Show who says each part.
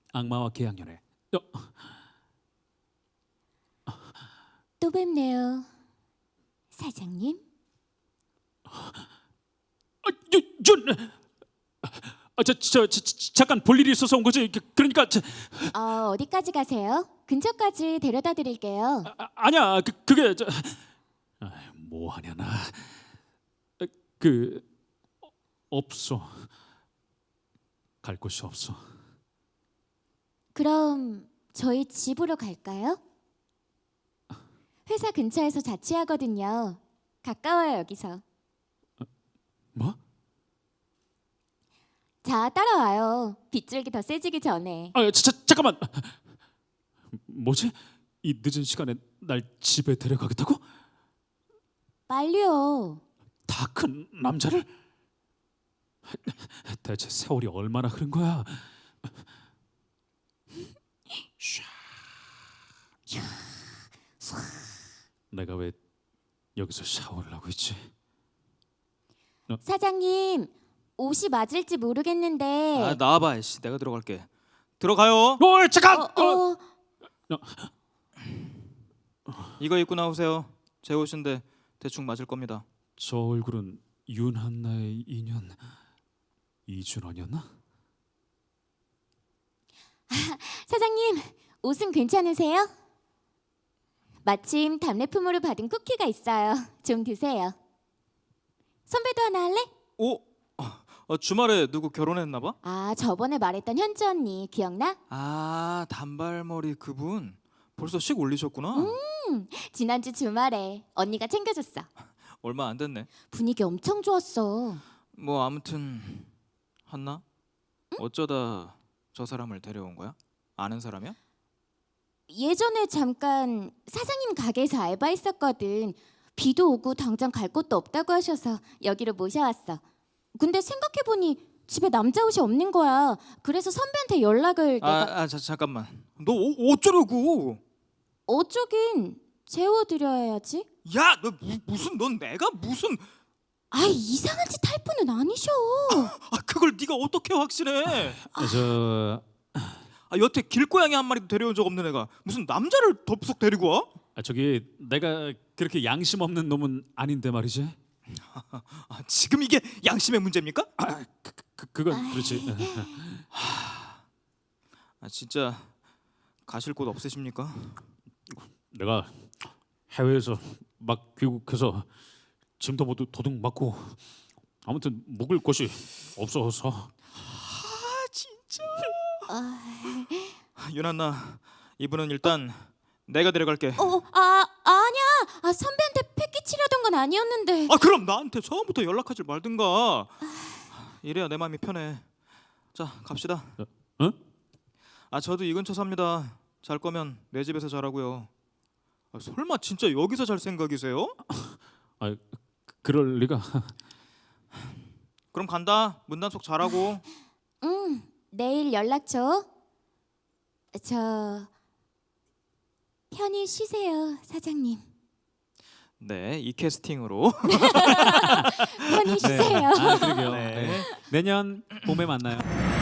Speaker 1: 악마와 계약연애.
Speaker 2: 또 뵙네요, 사장님.
Speaker 1: 잠깐 볼 일이 있어서 온 거지. 그러니까
Speaker 2: 어디까지 가세요? 근처까지 데려다 드릴게요.
Speaker 1: 아니야. 그게 뭐 하냐 나. 그 없어. 갈 곳이 없어.
Speaker 2: 그럼 저희 집으로 갈까요? 회사 근처에서 자취하거든요. 가까워요, 여기서.
Speaker 1: 뭐?
Speaker 2: 자, 따라와요. 빗줄기 더 세지기 전에.
Speaker 1: 잠깐만. 뭐지? 이 늦은 시간에 날 집에 데려가겠다고?
Speaker 2: 빨리요.
Speaker 1: 다 큰 남자를? 대체 세월이 얼마나 흐른 거야? 내가 왜 여기서 샤워를 하고 있지?
Speaker 2: 사장님, 옷이 맞을지 모르겠는데.
Speaker 3: 아 나와봐. 씨, 내가 들어갈게. 들어가요.
Speaker 1: 잠깐.
Speaker 3: 이거 입고 나오세요. 제 옷인데 대충 맞을 겁니다.
Speaker 1: 저 얼굴은 윤한나의 인연 이준원이었나?
Speaker 2: 사장님, 옷은 괜찮으세요? 마침 답례품으로 받은 쿠키가 있어요. 좀 드세요. 선배도 하나 할래?
Speaker 3: 오, 주말에 누구 결혼했나 봐?
Speaker 2: 아, 저번에 말했던 현주 언니 기억나?
Speaker 3: 아 단발머리 그분 벌써 식 올리셨구나.
Speaker 2: 지난주 주말에 언니가 챙겨줬어.
Speaker 3: 얼마 안 됐네.
Speaker 2: 분위기 엄청 좋았어.
Speaker 3: 뭐 아무튼 한나 어쩌다 저 사람을 데려온 거야? 아는 사람이야?
Speaker 2: 예전에 잠깐 사장님 가게에서 알바했었거든. 비도 오고 당장 갈 곳도 없다고 하셔서 여기로 모셔왔어. 근데 생각해보니 집에 남자 옷이 없는 거야. 그래서 선배한테 연락을 내가...
Speaker 3: 잠깐만. 너 어쩌려고?
Speaker 2: 어쩌긴 재워드려야지.
Speaker 3: 야, 너 무슨 넌 내가 무슨
Speaker 2: 아, 이상한 짓 할 분은 아니셔.
Speaker 3: 그걸 네가 어떻게 확신해? 여태 길고양이 한 마리도 데려온 적 없는 애가 무슨 남자를 덥석 데리고 와?
Speaker 1: 저기 내가 그렇게 양심 없는 놈은 아닌데 말이지.
Speaker 3: 지금 이게 양심의 문제입니까?
Speaker 1: 그건 그렇지.
Speaker 3: 진짜 가실 곳 없으십니까?
Speaker 1: 내가 해외에서 막 귀국해서 짐도 모두 도둑 맞고 아무튼 묵을 곳이 없어서.
Speaker 3: 진짜. 윤한나, 이분은 일단 내가 데려갈게.
Speaker 2: 아니야. 선배한테 패기치려던 건 아니었는데.
Speaker 3: 그럼 나한테 처음부터 연락하지 말든가. 이래야 내 마음이 편해. 자, 갑시다.
Speaker 1: 응?
Speaker 3: 저도 이 근처 삽니다. 잘 거면 내 집에서 자라고요. 설마 진짜 여기서 잘 생각이세요?
Speaker 1: 그럴 리가.
Speaker 3: 그럼 간다. 문단속 잘하고.
Speaker 2: 내일 연락 줘. 저 편히 쉬세요, 사장님.
Speaker 3: 네, 이 캐스팅으로.
Speaker 2: 편히 쉬세요.
Speaker 1: 그러게요.
Speaker 3: 네.
Speaker 1: 내년 봄에 만나요.